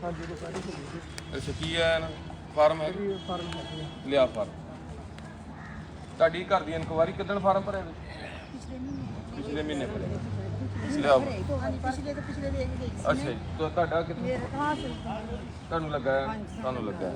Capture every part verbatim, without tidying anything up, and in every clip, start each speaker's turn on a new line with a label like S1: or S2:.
S1: ਅੱਛਾ ਕੀ ਹੈ ਫਾਰਮ ਹੈ ਲਿਆ ਫਾਰਮ ਤੁਹਾਡੀ ਘਰ ਦੀ ਇਨਕੁਆਇਰੀ ਕਿੱਦਣ ਫਾਰਮ ਭਰਿਆ ਪਿਛਲੇ ਮਹੀਨੇ ਭਰਿਆ ਲਿਆ ਅੱਛਾ ਜੀ ਤੁਹਾਡਾ ਕਿੱਥੇ ਤੁਹਾਨੂੰ ਲੱਗਾ ਤੁਹਾਨੂੰ ਲੱਗਾ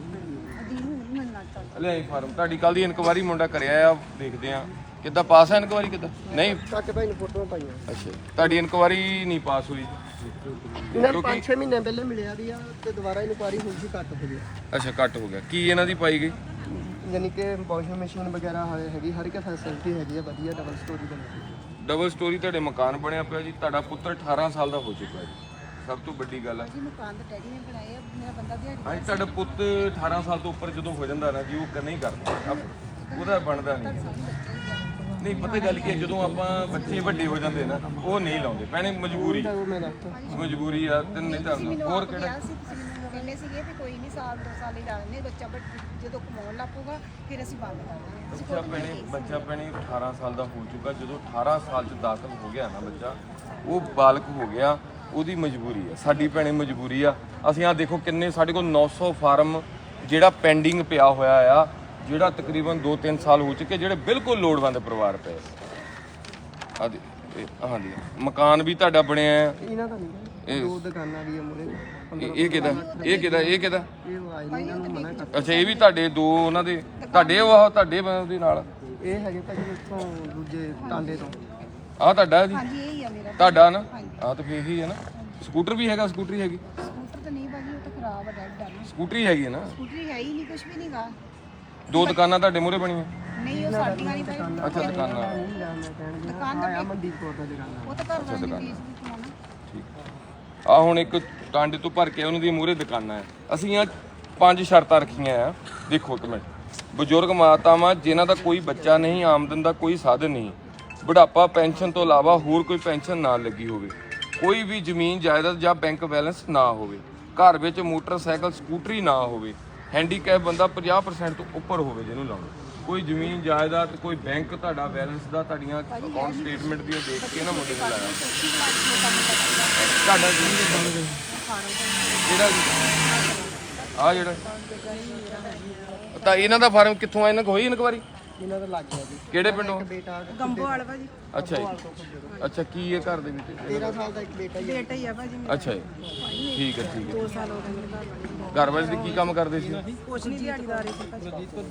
S1: ਲਿਆਈ ਫਾਰਮ ਤੁਹਾਡੀ ਕੱਲ ਦੀ ਇਨਕੁਆਇਰੀ ਮੁੰਡਾ ਕਰਿਆ ਆ ਦੇਖਦੇ ਆ ਕਿੱਦਾਂ ਪਾਸ ਹੈ ਇਨਕੁਆਇਰੀ ਕਿੱਦਾਂ ਨਹੀਂ
S2: ਕਾਕੇ ਭਾਈ ਨੇ ਫੋਟੋਆਂ ਪਾਈਆਂ
S1: ਅੱਛਾ ਤੁਹਾਡੀ ਇਨਕੁਆਇਰੀ ਨਹੀਂ ਪਾਸ ਹੋਈ
S2: ਇਹਨਾਂ ਨੂੰ ਪੰਜ ਛੇ ਮਹੀਨੇ ਪਹਿਲੇ ਮਿਲਿਆ ਦੀ ਆ ਤੇ ਦੁਬਾਰਾ ਇਨਕੁਆਇਰੀ ਹੋਈ ਸੀ ਘੱਟ ਹੋ ਗਿਆ
S1: ਅੱਛਾ ਘੱਟ ਹੋ ਗਿਆ ਕੀ ਇਹਨਾਂ ਦੀ ਪਾਈ ਗਈ
S2: ਯਾਨੀ ਕਿ ਵਾਸ਼ਿੰਗ ਮਸ਼ੀਨ ਵਗੈਰਾ ਹੈਗੀ ਹਰ ਇੱਕ ਫੈਸਿਲਿਟੀ ਹੈਗੀ ਆ ਵਧੀਆ ਡਬਲ ਸਟੋਰੀ ਬਣੀ
S1: ਡਬਲ ਸਟੋਰੀ ਤੁਹਾਡੇ ਮਕਾਨ ਬਣਿਆ ਪਿਆ ਜੀ ਤੁਹਾਡਾ ਪੁੱਤਰ ਅਠਾਰਾਂ ਸਾਲ ਦਾ ਹੋ ਚੁੱਕਾ ਹੈ ਸਭ ਤੋਂ ਵੱਡੀ ਗੱਲ ਹੈ
S3: ਜੀ ਮਕਾਨ ਤਾਂ ਡੈਡੀ ਨੇ ਬਣਾਇਆ ਮੇਰਾ ਬੰਦਾ ਦਿਹਾੜੀ
S1: ਹਾਂਜੀ ਤੁਹਾਡਾ ਪੁੱਤ ਅਠਾਰਾਂ ਸਾਲ ਤੋਂ ਉੱਪਰ ਜਦੋਂ ਹੋ ਜਾਂਦਾ ਨਾ ਜੀ ਉਹ ਨਹੀਂ ਕਰਦਾ ਉਹਦਾ ਬਣਦਾ ਨਹੀਂ ਨਹੀਂ ਪਤਾ ਗੱਲ ਕੀ ਹੈ ਜਦੋਂ ਆਪਾਂ ਬੱਚੇ ਵੱਡੇ ਹੋ ਜਾਂਦੇ ਨਾ ਉਹ ਨਹੀਂ ਲਾਉਂਦੇ ਭੈਣੇ ਮਜਬੂਰੀ ਮਜਬੂਰੀ ਆ ਤੇ ਨਹੀਂ ਤਾਂ ਹੋਰ ਕਿਹੜਾ
S3: ਕਹਿੰਦੇ ਸੀਗੇ ਤੇ ਕੋਈ ਨਹੀਂ ਸਾਲ ਦੋ ਸਾਲ ਹੀ ਲਾ ਲੈਂਦੇ ਬੱਚਾ ਜਦੋਂ ਕਮਾਉਣ ਲੱਪੂਗਾ ਫਿਰ ਅਸੀਂ ਬੰਦ ਕਰ ਦਾਂਗੇ
S1: ਬੱਚਾ ਭੈਣੇ ਬੱਚਾ ਭੈਣੇ ਅਠਾਰਾਂ ਸਾਲ ਦਾ ਹੋ ਚੁੱਕਾ ਜਦੋਂ ਅਠਾਰਾਂ ਸਾਲ ਚ ਦਾਖਲ ਹੋ ਗਿਆ ਨਾ ਬੱਚਾ ਉਹ ਬਾਲਗ ਹੋ ਗਿਆ ਉਹਦੀ ਮਜਬੂਰੀ ਆ ਸਾਡੀ ਭੈਣੇ ਮਜਬੂਰੀ ਆ ਅਸੀਂ ਆ ਦੇਖੋ ਕਿੰਨੇ ਸਾਡੇ ਕੋਲ ਨੌ ਸੌ ਫਾਰਮ ਜਿਹੜਾ ਪੈਂਡਿੰਗ ਪਿਆ ਹੋਇਆ ਆ ਜਿਹੜਾ ਤਕਰੀਬਨ ਦੋ ਤਿੰਨ ਸਾਲ ਹੋ ਚੁੱਕੇ ਜਿਹੜੇ ਬਿਲਕੁਲ ਲੋੜਵੰਦ ਪਰਿਵਾਰ ਪਏ ਆ ਹਾਂਜੀ ਮਕਾਨ ਵੀ ਤੁਹਾਡਾ ਬਣਿਆ ਹੈ
S2: ਇਹਨਾਂ ਦਾ ਨਹੀਂ ਦੋ ਦੁਕਾਨਾਂ ਵੀ ਆ ਮੂਰੇ
S1: ਇਹ ਕਿਹਦਾ ਇਹ ਕਿਹਦਾ ਇਹ ਕਿਹਦਾ
S2: ਇਹ ਆਏ ਨਹੀਂ ਇਹਨਾਂ ਨੂੰ ਮਨਾ ਕਰ
S1: ਅੱਛਾ ਇਹ ਵੀ ਤੁਹਾਡੇ ਦੋ ਉਹਨਾਂ ਦੇ ਤੁਹਾਡੇ ਉਹ ਤੁਹਾਡੇ ਉਹਦੇ ਨਾਲ
S2: ਇਹ ਹੈਗੇ ਭਾਜੀ ਇੱਥੋਂ ਦੂਜੇ ਟਾਂਡੇ ਤੋਂ
S1: ਆਹ ਤੁਹਾਡਾ ਜੀ
S3: ਹਾਂਜੀ ਇਹ ਹੀ ਆ ਮੇਰਾ
S1: ਤੁਹਾਡਾ ਨਾ ਆਹ ਤਾਂ ਫੇਰ ਹੀ ਹੈ ਨਾ ਸਕੂਟਰ ਵੀ ਹੈਗਾ ਸਕੂਟਰੀ ਹੈਗੀ
S3: ਸਕੂਟਰ ਤਾਂ ਨਹੀਂ ਭਾਜੀ ਉਹ ਤਾਂ ਖਰਾਬ ਆ ਡੈਡ ਦਾ
S1: ਸਕੂਟਰੀ ਹੈਗੀ ਹੈ ਨਾ
S3: ਸਕੂਟਰੀ ਹੈ ਹੀ ਨਹੀਂ ਕੁਝ ਵੀ ਨਹੀਂਗਾ
S1: ਦੋ ਦੁਕਾਨਾਂ ਤੁਹਾਡੇ ਮੂਹਰੇ ਬਣੀਆਂ
S3: ਨਹੀਂ ਉਹ ਸਾਡੀਆਂ ਨਹੀਂ ਭਾਈ
S1: ਅੱਛਾ ਦੁਕਾਨਾਂ
S3: ਦੁਕਾਨ ਦਾ
S2: ਮਨਦੀਪ ਕੌਰ ਦਾ ਦੁਕਾਨ
S3: ਉਹ ਤਾਂ ਘਰ ਦਾ ਨਹੀਂ ਕਮਾਉਣਾ
S1: ਠੀਕ ਆ ਹੁਣ ਇੱਕ ਟਾਂਡੇ ਤੋਂ ਭਰ ਕੇ ਉਹਨਾਂ ਦੀ ਮੂਹਰੇ ਦੁਕਾਨਾਂ ਹੈ ਅਸੀਂ ਆ ਪੰਜ ਸ਼ਰਤਾਂ ਰੱਖੀਆਂ ਆ ਦੇਖੋ ਇੱਕ ਮਿੰਟ ਬਜ਼ੁਰਗ ਮਾਤਾਵਾਂ ਜਿਨ੍ਹਾਂ ਦਾ ਕੋਈ ਬੱਚਾ ਨਹੀਂ ਆਮਦਨ ਦਾ ਕੋਈ ਸਾਧਨ ਨਹੀਂ ਬੁਢਾਪਾ ਪੈਨਸ਼ਨ ਤੋਂ ਇਲਾਵਾ ਹੋਰ ਕੋਈ ਪੈਨਸ਼ਨ ਨਾ ਲੱਗੀ ਹੋਵੇ ਕੋਈ ਵੀ ਜ਼ਮੀਨ ਜਾਇਦਾਦ ਜਾਂ ਬੈਂਕ ਬੈਲੈਂਸ ਨਾ ਹੋਵੇ ਘਰ ਵਿੱਚ ਮੋਟਰਸਾਈਕਲ ਸਕੂਟਰੀ ਨਾ ਹੋਵੇ ਹੈਂਡੀਕੈਪ ਬੰਦਾ ਪੰਜਾਹ ਪਰਸੈਂਟ ਤੋਂ ਉੱਪਰ ਹੋਵੇ ਜਿਹਨੂੰ ਲਾਉਣਾ ਕੋਈ ਜ਼ਮੀਨ ਜਾਇਦਾਦ ਕੋਈ ਬੈਂਕ ਤੁਹਾਡਾ ਬੈਲੈਂਸ ਦਾ ਤੁਹਾਡੀਆਂ ਅਕਾਊਂਟ ਸਟੇਟਮੈਂਟ ਦੀਆਂ ਦੇਖ ਕੇ ਨਾ ਮੁੰਡੇ ਨੂੰ ਲਾਇਆ ਤੁਹਾਡਾ ਜ਼ਮੀਨ ਜਿਹੜਾ ਆ ਜਿਹੜਾ ਤਾਂ ਇਹਨਾਂ ਦਾ ਫਾਰਮ ਕਿੱਥੋਂ ਆ ਇਹਨਾਂ ਕੋ ਹੋਈ ਇਨਕੁਆਰੀ
S2: ਇਹਨਾਂ ਦਾ ਲੱਗ ਗਿਆ ਜੀ
S1: ਕਿਹੜੇ ਪਿੰਡੋਂ
S2: ਬੇਟਾ
S3: ਗੰਬੋਵਾਲ ਭਾਜੀ
S1: ਅੱਛਾ ਜੀ ਅੱਛਾ ਕੀ ਹੈ ਘਰ ਦੇ ਵਿੱਚ
S2: ਤੇਰਾਂ ਸਾਲ ਦਾ ਇੱਕ ਬੇਟਾ ਹੀ ਹੈ
S3: ਬੇਟਾ ਹੀ ਆ ਭਾਜੀ
S1: ਅੱਛਾ ਜੀ ਠੀਕ ਹੈ ਠੀਕ ਹੈ
S3: ਦੋ ਸਾਲ ਹੋ ਗਏ ਮੇਰੇ ਘਰ ਵਾਲੇ
S1: ਘਰ ਵਾਲੇ ਦੀ ਕੀ ਕੰਮ ਕਰਦੇ ਸੀ
S3: ਕੁਛ ਨਹੀਂ ਦਿਹਾੜੀਦਾਰ ਸੀ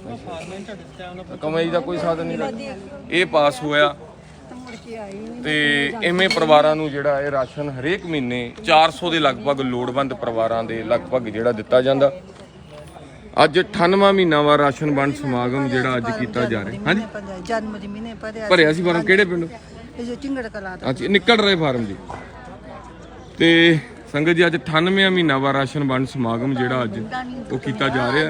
S3: ਭਾਜੀ
S1: ਕਮਾਈ ਦਾ ਕੋਈ ਸਾਧਨ ਨਹੀਂ ਇਹ ਪਾਸ ਹੋਇਆ
S3: ਤਾਂ ਮੁੜ ਕੇ ਆਈ ਨਹੀਂ
S1: ਤੇ ਐਵੇਂ ਪਰਿਵਾਰਾਂ ਨੂੰ ਜਿਹੜਾ ਇਹ ਰਾਸ਼ਨ ਹਰੇਕ ਮਹੀਨੇ ਚਾਰ ਸੌ ਦੇ ਲਗਭਗ ਲੋੜਵੰਦ ਪਰਿਵਾਰਾਂ ਦੇ ਲਗਭਗ ਜਿਹੜਾ ਦਿੱਤਾ ਜਾਂਦਾ ਅੱਜ ਅਠਾਨਵਾਂ ਮਹੀਨਾ ਵਾ ਰਾਸ਼ਨ ਵੰਡ ਸਮਾਗਮ ਜਿਹੜਾ ਅੱਜ ਕੀਤਾ ਜਾ ਰਿਹਾ ਹਾਂਜੀ
S3: ਜਨਮ ਦੀ ਮਹੀਨੇ ਭਰਿਆ
S1: ਭਰਿਆ ਸੀ ਫਾਰਮ ਕਿਹੜੇ ਪਿੰਡੋਂ
S3: ਇਹ ਜੋ ਚਿੰਗੜ ਕਲਾ ਦਾ
S1: ਅੱਛਾ ਨਿਕਲ ਰਹੇ ਫਾਰਮ ਜੀ ਤੇ ਸੰਗਤ ਜੀ ਅੱਜ ਅਠਾਨਵੇਂ ਮਹੀਨਾ ਵਾ ਰਾਸ਼ਨ ਵੰਡ ਸਮਾਗਮ ਜਿਹੜਾ ਅੱਜ ਉਹ ਕੀਤਾ ਜਾ ਰਿਹਾ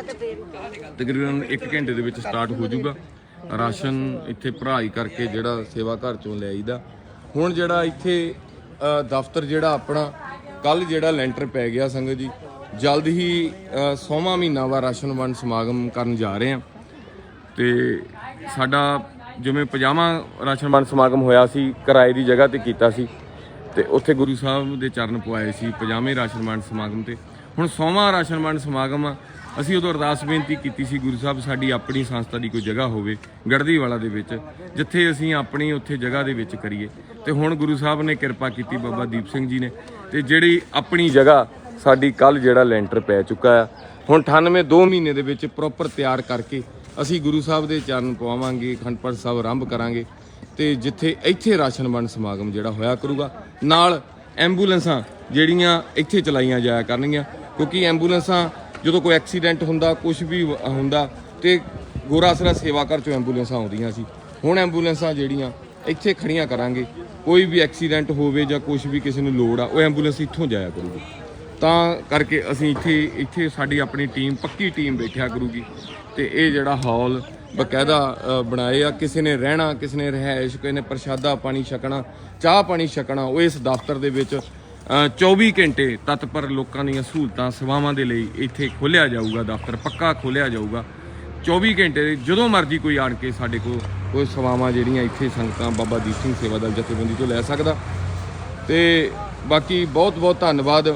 S1: ਤਕਰੀਬਨ ਇੱਕ ਘੰਟੇ ਦੇ ਵਿੱਚ ਸਟਾਰਟ ਹੋ ਜਾਊਗਾ ਰਾਸ਼ਨ ਇੱਥੇ ਭਰਾਈ ਕਰਕੇ ਜਿਹੜਾ ਸੇਵਾ ਘਰ ਚੋਂ ਲੈ ਆਈਦਾ ਹੁਣ ਜਿਹੜਾ ਇੱਥੇ ਦਫ਼ਤਰ ਜਿਹੜਾ ਆਪਣਾ ਕੱਲ ਜਿਹੜਾ ਲੈਂਟਰ ਪੈ ਗਿਆ ਸੰਗਤ ਜੀ ਜਲਦ ਹੀ ਸੌਵਾਂ ਮਹੀਨਾ ਵਾ ਰਾਸ਼ਨ ਵੰਡ ਸਮਾਗਮ ਕਰਨ ਜਾ ਰਹੇ ਹਾਂ ਤੇ ਸਾਡਾ ਜਿਵੇਂ ਪੰਜਾਹਵਾਂ ਰਾਸ਼ਨ ਵੰਡ ਸਮਾਗਮ ਹੋਇਆ ਸੀ ਕਿਰਾਏ ਦੀ ਜਗ੍ਹਾ ਤੇ ਕੀਤਾ ਸੀ ਤੇ ਉੱਥੇ ਗੁਰੂ ਸਾਹਿਬ ਦੇ ਚਰਨ ਪਵਾਏ ਸੀ ਪੰਜਾਹਵੇਂ ਰਾਸ਼ਨ ਵੰਡ ਸਮਾਗਮ ਤੇ ਹੁਣ ਸੌਵਾਂ ਰਾਸ਼ਨ ਵੰਡ ਸਮਾਗਮ ਆ ਅਸੀਂ ਉਦੋਂ ਅਰਦਾਸ ਬੇਨਤੀ ਕੀਤੀ ਸੀ ਗੁਰੂ ਸਾਹਿਬ ਸਾਡੀ ਆਪਣੀ ਸੰਸਥਾ ਦੀ ਕੋਈ ਜਗ੍ਹਾ ਹੋਵੇ ਗੜਦੀਵਾਲਾ ਦੇ ਵਿੱਚ ਜਿੱਥੇ ਅਸੀਂ ਆਪਣੀ ਉੱਥੇ ਜਗ੍ਹਾ ਦੇ ਵਿੱਚ ਕਰੀਏ ਤੇ ਹੁਣ ਗੁਰੂ ਸਾਹਿਬ ਨੇ ਕਿਰਪਾ ਕੀਤੀ ਬਾਬਾ ਦੀਪ ਸਿੰਘ ਜੀ ਨੇ ਤੇ ਜਿਹੜੀ ਆਪਣੀ ਜਗ੍ਹਾ ਸਾਡੀ ਕੱਲ ਜਿਹੜਾ ਲੈਂਟਰ ਪੈ ਚੁੱਕਾ ਆ ਹੁਣ ਅਠਾਨਵੇਂ ਦੋ ਮਹੀਨੇ ਦੇ ਵਿੱਚ ਪ੍ਰੋਪਰ ਤਿਆਰ ਕਰਕੇ ਅਸੀਂ ਗੁਰੂ ਸਾਹਿਬ ਦੇ ਚਰਨ ਪਵਾਵਾਂਗੇ ਅਖੰਡ ਪਾਠ ਸਾਹਿਬ ਆਰੰਭ ਕਰਾਂਗੇ ਤੇ ਜਿੱਥੇ ਇੱਥੇ ਰਾਸ਼ਨ ਵੰਡ ਸਮਾਗਮ ਜਿਹੜਾ ਹੋਇਆ ਕਰੂਗਾ ਨਾਲ ਐਂਬੂਲੈਂਸਾਂ ਜਿਹੜੀਆਂ ਇੱਥੇ ਚਲਾਈਆਂ ਜਾਇਆ ਕਰਨਗੀਆਂ ਕਿਉਂਕਿ ਐਂਬੂਲੈਂਸਾਂ ਜਦੋਂ ਕੋਈ ਐਕਸੀਡੈਂਟ ਹੁੰਦਾ ਕੁਝ ਵੀ ਹੁੰਦਾ ਤੇ ਗੋਰਾ ਆਸਰਾ ਸੇਵਾ ਘਰ ਚੋਂ ਐਂਬੂਲੈਂਸਾਂ ਆਉਂਦੀਆਂ ਸੀ ਹੁਣ ਐਂਬੂਲੈਂਸਾਂ ਜਿਹੜੀਆਂ ਇੱਥੇ ਖੜੀਆਂ ਕਰਾਂਗੇ ਕੋਈ ਵੀ ਐਕਸੀਡੈਂਟ ਹੋਵੇ ਜਾਂ ਕੁਝ ਵੀ ਕਿਸੇ ਨੂੰ ਲੋੜ ਆ ਉਹ ਐਂਬੂਲੈਂਸ ਇੱਥੋਂ ਜਾਇਆ ਕਰੂਗੀ ਤਾਂ ਕਰਕੇ ਅਸੀਂ ਇੱਥੇ ਇੱਥੇ ਸਾਡੀ ਆਪਣੀ ਟੀਮ ਪੱਕੀ ਟੀਮ ਬੈਠਿਆ ਕਰੂਗੀ ਤੇ ਇਹ ਜਿਹੜਾ ਹਾਲ ਬਕਾਇਦਾ ਬਣਾਏ ਆ ਕਿਸੇ ਨੇ ਰਹਿਣਾ ਕਿਸੇ ਨੇ ਰਿਹਾਇਸ਼ ਕਿਸੇ ਨੇ ਪ੍ਰਸ਼ਾਦਾ ਪਾਣੀ ਛਕਣਾ ਚਾਹ ਪਾਣੀ ਛਕਣਾ ਉਹ ਇਸ ਦਫ਼ਤਰ ਦੇ ਵਿੱਚ ਚੌਵੀ ਘੰਟੇ ਤਤਪਰ ਲੋਕਾਂ ਦੀਆਂ ਸਹੂਲਤਾਂ ਸੇਵਾਵਾਂ ਦੇ ਲਈ ਇੱਥੇ ਖੋਲ੍ਹਿਆ ਜਾਊਗਾ ਦਫ਼ਤਰ ਪੱਕਾ ਖੋਲ੍ਹਿਆ ਜਾਊਗਾ ਚੌਵੀ ਘੰਟੇ ਜਦੋਂ ਮਰਜ਼ੀ ਕੋਈ ਆਣ ਕੇ ਸਾਡੇ ਕੋਲ ਕੋਈ ਸੇਵਾਵਾਂ ਜਿਹੜੀਆਂ ਇੱਥੇ ਸੰਗਤਾਂ ਬਾਬਾ ਦੀਪ ਸਿੰਘ ਸੇਵਾ ਦਲ ਜਥੇਬੰਦੀ ਤੋਂ ਲੈ ਸਕਦਾ ਤੇ ਬਾਕੀ ਬਹੁਤ ਬਹੁਤ ਧੰਨਵਾਦ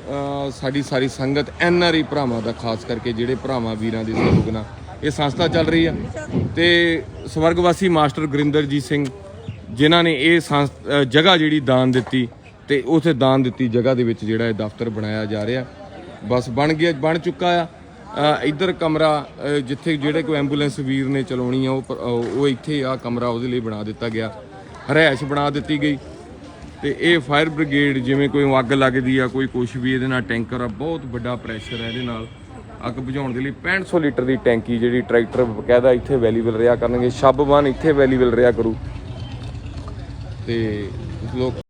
S1: ਅ, ਸਾਡੀ ਸਾਰੀ ਸੰਗਤ ਐਨ ਆਰ ਆਈ ਭਰਾਵਾਂ ਦਾ, ਖਾਸ ਕਰਕੇ ਜਿਹੜੇ ਭਰਾਵਾਂ ਵੀਰਾਂ ਦੇ ਸਹਿਯੋਗ ਨਾਲ ਇਹ ਸੰਸਥਾ ਚੱਲ ਰਹੀ ਆ। ਤੇ ਸਵਰਗਵਾਸੀ ਮਾਸਟਰ ਗੁਰਿੰਦਰਜੀਤ ਸਿੰਘ ਜਿਨ੍ਹਾਂ ਨੇ ਇਹ ਸੰਸ- ਅ, ਜਗ੍ਹਾ ਜਿਹੜੀ ਦਾਨ ਦਿੱਤੀ, ਤੇ ਉਥੇ ਦਾਨ ਦਿੱਤੀ ਜਗ੍ਹਾ ਦੇ ਵਿੱਚ ਜਿਹੜਾ ਇਹ ਦਫ਼ਤਰ ਬਣਾਇਆ ਜਾ ਰਿਹਾ, ਬਸ ਬਣ ਗਿਆ, ਬਣ ਚੁੱਕਾ ਆ। ਅ, ਇੱਧਰ ਕਮਰਾ ਅ, ਜਿੱਥੇ ਜਿਹੜੇ ਕੋਈ ਐਂਬੂਲੈਂਸ ਵੀਰ ਨੇ ਚਲਾਉਣੀ ਆ, ਉਹ ਪ- ਉਹ ਇੱਥੇ ਆ ਕਮਰਾ ਉਹਦੇ ਲਈ ਬਣਾ ਦਿੱਤਾ ਗਿਆ, ਰਿਹਾਇਸ਼ ਬਣਾ ਦਿੱਤੀ ਗਈ। ਤੇ ਇਹ ਫਾਇਰ ਬ੍ਰਿਗੇਡ, ਜਿਵੇਂ ਕੋਈ ਅੱਗ ਲੱਗਦੀ ਆ, ਕੋਈ ਕੁਛ ਵੀ, ਇਹਦੇ ਨਾਲ ਟੈਂਕਰ ਆ, ਬਹੁਤ ਵੱਡਾ ਪ੍ਰੈਸ਼ਰ ਹੈ ਇਹਦੇ ਨਾਲ ਅੱਗ ਬੁਝਾਉਣ ਦੇ ਲਈ। ਪੈਂਹਠ ਸੌ ਲੀਟਰ ਦੀ ਟੈਂਕੀ ਜਿਹੜੀ ਟਰੈਕਟਰ ਬਕਾਇਦਾ ਇੱਥੇ ਅਵੇਲੇਬਲ ਰਿਹਾ ਕਰਨਗੇ, ਸ਼ਬ ਵਨ ਇੱਥੇ ਅਵੇਲੇਬਲ ਰਿਹਾ ਕਰੂ। ਤੇ ਲੋਕ